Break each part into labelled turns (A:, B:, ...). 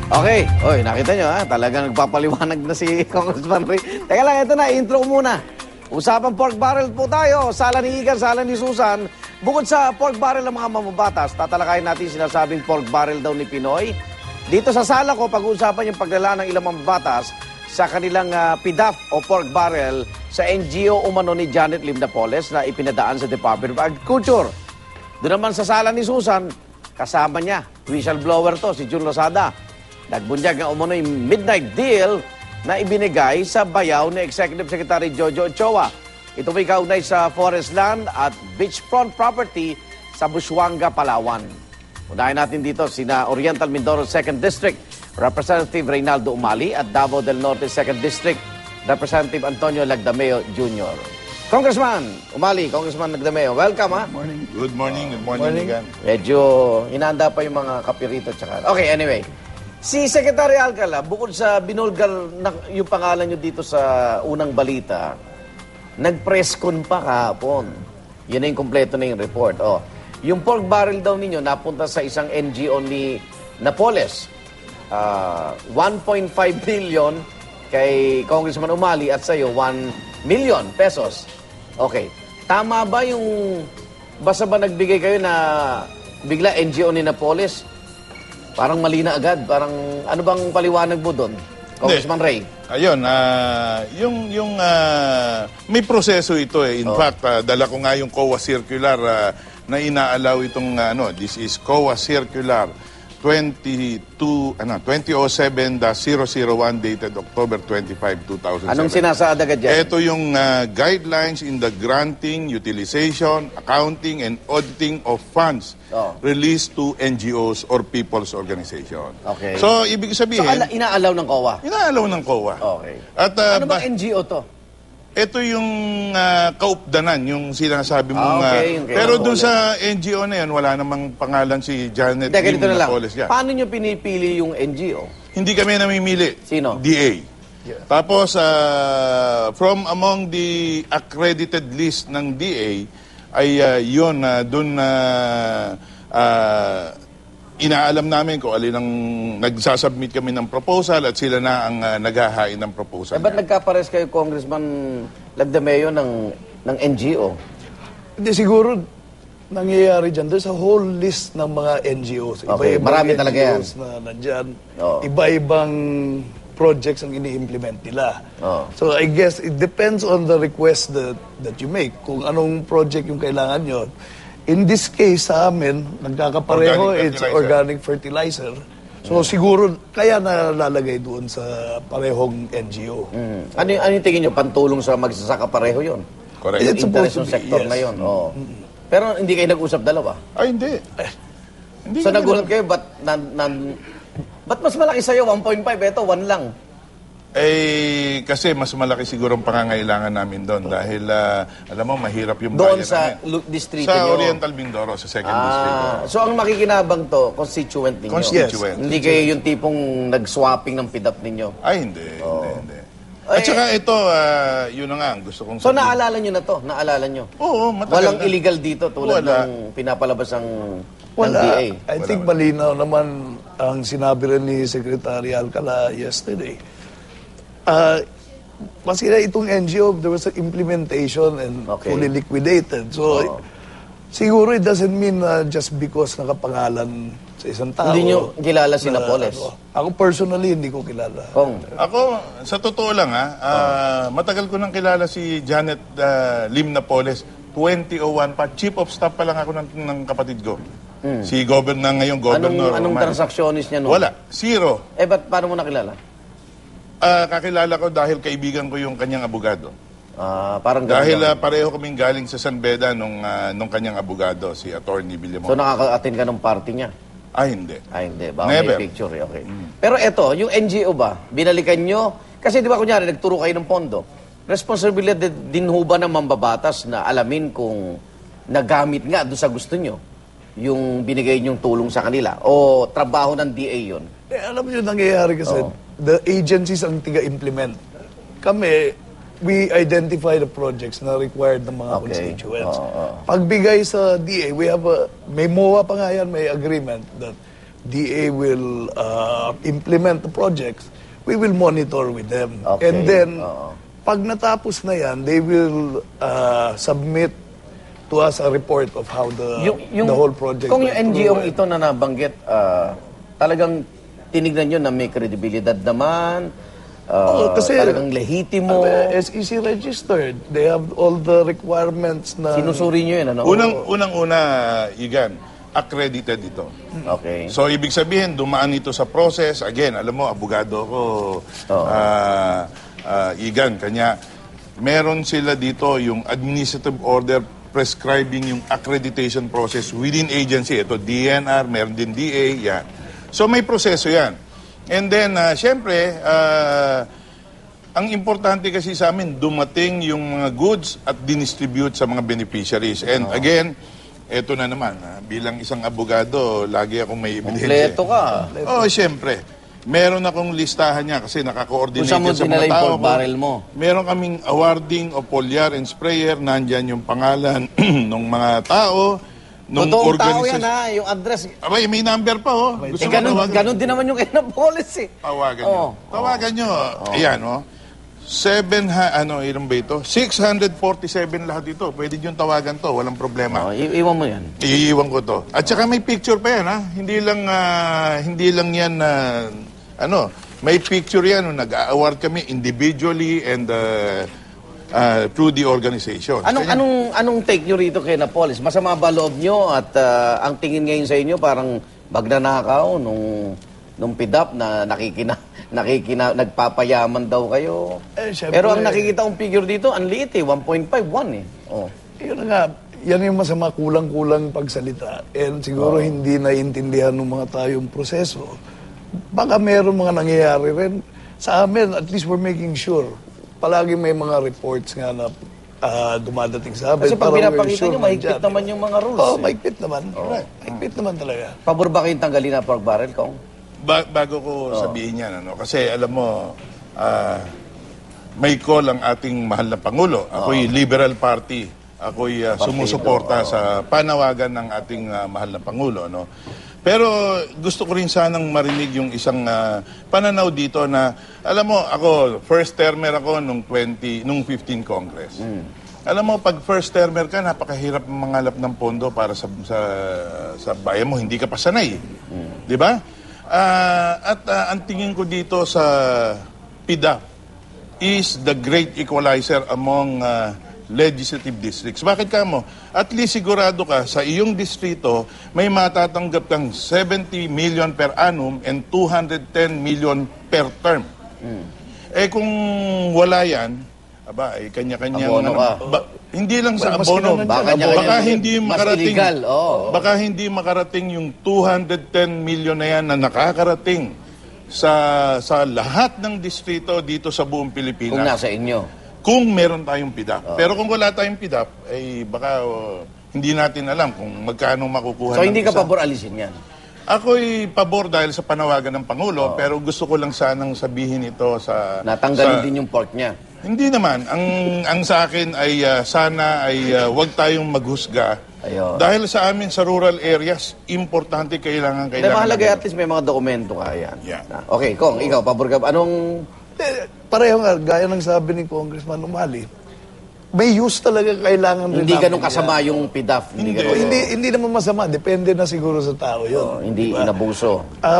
A: Okay. Oy, nakita nyo ha, talagang nagpapaliwanag na si Congressman Ray. Teka lang, ito na, intro muna. Usapang pork barrel po tayo. Sala ni Igan, sala ni Susan. Bukod sa pork barrel ng mga mamabatas, tatalakayin natin sinasabing pork barrel daw ni Pinoy. Dito sa sala ko, pag-uusapan yung paglala ng ilang mamabatas sa kanilang PDAF o pork barrel sa NGO umano ni Janet Lim Napoles na ipinadaan sa Department of Agriculture. Doon naman sa sala ni Susan, kasama niya, whistleblower to, si Jun Lozada. Nagbunyag nga umano yung midnight deal na ibinigay sa bayaw ni Executive Secretary Jojo Ochoa. Ito may kaugnay sa forest land at beachfront property sa Busuanga, Palawan. Unahin natin dito sina Oriental Mindoro 2nd District Representative Reynaldo Umali at Davao del Norte 2nd District Representative Antonio Lagdameo Jr. Congressman Umali, Congressman Lagdameo, welcome ha.
B: Good morning again.
A: Medyo hinanda pa yung mga kapirito tsaka. Okay, anyway. Si Secretary Alcala, bukod sa binulgar na yung pangalan nyo dito sa unang balita, nag-press con pa kahapon. Yun na yung kompleto na yung report. Oh. Yung pork barrel daw ninyo napunta sa isang NGO ni Napoles. 1.5 billion kay Congressman Umali at sa'yo 1 million pesos. Okay. Tama ba yung basta ba nagbigay kayo na bigla NGO ni Napoles? Parang mali na agad. Parang ano bang paliwanag mo doon, Congressman Ray?
B: Ayun, may proseso ito eh. In fact, dala ko nga yung COA circular na inaalaw itong this is COA circular 2007-001 dated October 25, 2007.
A: Anong sinasaad agad dyan?
B: Ito yung guidelines in the granting, utilization, accounting, and auditing of funds released to NGOs or people's organization.
A: Okay.
B: So, ibig sabihin...
A: So, inaalaw ng COA?
B: Inaalaw ng COA.
A: Okay.
B: At,
A: ano ba NGO to?
B: Ito yung kaupdanan, yung sinasabi mong...
A: Okay.
B: Pero doon sa NGO na yan, wala namang pangalan si Janet Lim Napoles.
A: Paano nyo pinipili yung NGO?
B: Hindi kami namimili.
A: Sino?
B: DA. Yeah. Tapos, from among the accredited list ng DA, ay yun, doon inaalam namin kung alin ang nagsasubmit kami ng proposal at sila na ang naghahain ng proposal.
A: Ba't nagkapares kayo, Congressman Lagdameo, ng NGO?
C: Hindi, siguro nangyayari dyan. There's a whole list ng mga NGOs.
A: Okay, marami talaga yan.
C: Na nandyan. Iba-ibang projects ang ini-implement nila. So I guess it depends on the request that you make. Kung anong project yung kailangan nyo. In this case, sa amin, nagkakapareho, it's organic fertilizer. So siguro, kaya nalalagay doon sa parehong NGO.
A: Ano yung tingin nyo? Pantulong sa magsasaka pareho yun?
B: Correct.
A: Yung interest ng sektor na yun. Pero hindi kayo nag-usap dalawa?
B: Ay, hindi.
A: So nagulat kayo, ba't mas malaki sa'yo? 1.5, eto 1 lang.
B: Eh, kasi mas malaki siguro ang pangangailangan namin doon dahil, alam mo, mahirap yung
A: doon
B: bayan
A: sa
B: namin.
A: distrito
B: Sa
A: nyo?
B: Oriental Mindoro, sa 2nd District.
A: So ang makikinabang to, constituent ninyo?
B: Constituent.
A: Hindi kayo yung tipong nag-swapping ng PDAP ninyo?
B: Ay, hindi. At saka ito, yun na nga, gusto kong
A: So naalala nyo na to? Naalala nyo?
B: Oo, matagal
A: Walang
B: na.
A: illegal dito tulad ng pinapalabas ng DA?
C: I think malinaw naman ang sinabi rin ni Secretary Alcala yesterday. Masira itong NGO, there was an implementation and fully liquidated. So, siguro it doesn't mean just because nakapangalan sa isang tao.
A: Hindi nyo kilala si Napoles?
C: Ako personally, hindi ko kilala.
B: Ako, sa totoo lang matagal ko nang kilala si Janet Lim Napoles. 2001 pa, chief of staff pa lang ako ng kapatid ko. Si governor ngayong governor.
A: Anong transactionist niya noon?
B: Wala, zero.
A: Paano mo nakilala?
B: Kakilala ko dahil kaibigan ko yung kanyang abogado.
A: Parang
B: dahil pareho kaming galing sa San Beda nung kanyang abogado, si Attorney Villamor.
A: So nakaka-attend ka ng party niya?
B: Ay, hindi.
A: Baka
B: Never.
A: may picture okay. Pero eto, yung NGO ba, binalikan nyo? Kasi di ba kunyari, nagturo kayo ng pondo. Responsibilidad din ho ba ng mambabatas na alamin kung nagamit nga doon sa gusto nyo yung binigay nyong tulong sa kanila? O trabaho ng DA yun?
C: Alam nyo, nangyayari kasi, the agencies ang tiga-implement. Kami, we identify the projects na required ng mga constituents. Pagbigay sa DA, we have may MOA pa nga yan, may agreement that DA will implement the projects, we will monitor with them.
A: Okay.
C: And then,
A: Oo.
C: pag natapos na yan, they will submit to us a report of how the whole project
A: Kung yung
C: went
A: NGO
C: through.
A: ito na nabanggit, talagang tinignan nyo na may kredibilidad naman,
C: Kasi
A: talagang lehitimo,
C: SEC registered. They have all the requirements na...
A: sinusuri nyo yun, ano?
B: Unang-una, Igan, accredited ito.
A: Okay.
B: So, ibig sabihin, dumaan ito sa process. Again, alam mo, abogado ko, Igan, kanya, meron sila dito yung administrative order prescribing yung accreditation process within agency. Ito, DNR, meron din DA, yan. So, may proseso yan. And then, syempre, ang importante kasi sa amin, dumating yung mga goods at dinistribute sa mga beneficiaries. And again, eto na naman, bilang isang abogado, lagi akong may ebidensya.
A: Kompleto ka.
B: Oo, syempre. Meron akong listahan niya kasi naka-coordinate
A: Kung saan mo
B: sa
A: dinala
B: mga
A: yung
B: tao
A: pork
B: ko.
A: barrel mo?
B: Meron kaming awarding of foliar and sprayer. Nandyan yung pangalan ng mga tao, ng
A: Totoong tao yan,
B: organisasyon.
A: ha? Yung address.
B: Abay, may number pa, oh. Gusto mo tawagan?
A: Ganun din naman yung kay Napoles, eh.
B: Tawagan nyo. Tawagan nyo. Ayan, oh. Ilan ba ito? 647 lahat ito. Pwede nyo tawagan to. Walang problema.
A: Iwan mo yan.
B: Iiwan ko to. At saka may picture pa yan, ha? Hindi lang yan, may picture yan. Nag-award kami individually and through the organization.
A: Anong take nyo rito kay Napoles? Masama ba loob nyo at ang tingin ngayon sa inyo parang magnanakaw nung PIDAP na nagpapayaman daw kayo?
C: Syempre,
A: Pero ang nakikita kong figure dito, ang liit eh, 1.51 eh. Oh.
C: Yun na nga, yan yung masama, kulang-kulang pagsalita. And siguro hindi naiintindihan ng mga tao yung proseso. Baka meron mga nangyayari rin. Sa amin, at least we're making sure. Palagi may mga reports nga na dumadating sa amin.
A: Kasi pag
C: para we're
A: pinapakita
C: sure
A: nyo, mahigpit
C: nandyan.
A: naman yung mga rules.
C: Oo,
A: eh.
C: mahigpit naman. Mahigpit naman talaga.
A: Pabor ba kayong tanggalin na pork barrel, Kong?
B: Bago ko sabihin yan, kasi alam mo, may call ang ating mahal na Pangulo. Ako'y Liberal Party. Ako'y sumusuporta sa panawagan ng ating mahal na Pangulo. No? Pero gusto ko rin sanang marinig yung isang pananaw dito na, alam mo, ako, first termer ako nung 15 Congress. Alam mo, pag first termer ka, napakahirap mangalap ng pondo para sa bayan mo. Hindi ka pa sanay. Di ba? Ang tingin ko dito sa PIDAP is the great equalizer among legislative districts. Bakit ka mo? At least sigurado ka sa iyong distrito may matatanggap kang 70 million per annum and 210 million per term. Eh kung wala yan, kanya-kanya.
A: Abono ka.
B: Hindi lang sa
C: Mas
B: abono.
C: kailangan
A: Baka niya
B: Baka
A: kanya-
B: hindi
A: mas
B: makarating.
A: illegal, oo.
B: Baka hindi makarating yung 210 million na yan na nakakarating sa lahat ng distrito dito sa buong Pilipinas.
A: Kung nasa inyo.
B: Kung meron tayong PIDAP. Pero kung wala tayong PIDAP, ay baka hindi natin alam kung magkano makukuha.
A: So
B: ng
A: hindi ka
B: isa.
A: pabor alisin yan?
B: Ako'y pabor dahil sa panawagan ng Pangulo, pero gusto ko lang sanang sabihin ito sa...
A: Natanggalin din yung pork niya.
B: Hindi naman. Ang sa akin ay sana ay wag tayong maghusga.
A: Ayun.
B: Dahil sa amin sa rural areas, importante kailangan.
A: Hindi, mahalaga at least may mga dokumento ka. Yan.
B: Yeah.
A: Okay, Kong, ikaw, pabor ka ba? Anong...
C: Pareho nga, gaya ng sabi ni Congressman Umali, may use talaga kailangan rin
A: Hindi
C: natin
A: ganun kasama
C: yan.
A: yung PIDAF. Hindi
B: Hindi.
A: ganun.
C: Hindi naman masama. Depende na siguro sa tao yun.
A: Hindi
C: Diba?
A: inabuso.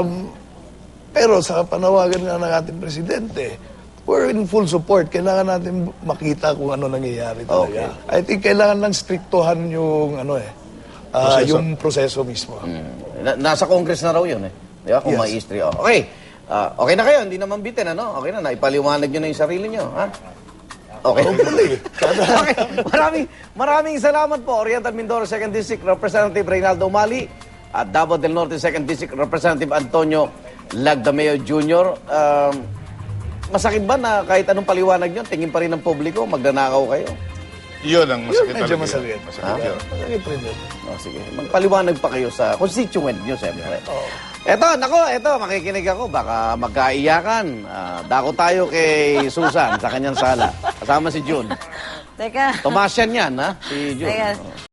C: Pero sa panawagan nga ng ating presidente, we're in full support. Kailangan natin makita kung ano nangyayari talaga. I think kailangan lang striktuhan yung yung proseso mismo.
A: Nasa Congress na raw yun eh. Di ba? Kung
C: Yes.
A: may history. Oh. Okay. Okay na kayo. Hindi naman bitin, ano? Okay na. Naipaliwanag nyo na yung sarili nyo. Ha? Okay. Okay. Maraming salamat po. Oriental Mindoro 2nd District Representative Reynaldo Umali at Davao del Norte 2nd District Representative Antonio Lagdameo Jr. Masakit ba na kahit anong paliwanag nyo, tingin pa rin ng publiko, magnanakaw kayo?
B: Yun ang masakit
C: Medyo
B: talaga.
C: masakit.
B: Masakit yun.
C: Masakit rin yun.
A: Sige. Magpaliwanag pa kayo sa constituent nyo, siyempre. Eto, makikinig ako. Baka magkaiyakan. Dako tayo kay Susan sa kanyang sala. Kasama si June.
D: Teka.
A: Tomasyan yan, ha? Si June.
D: Teka.
A: Oh.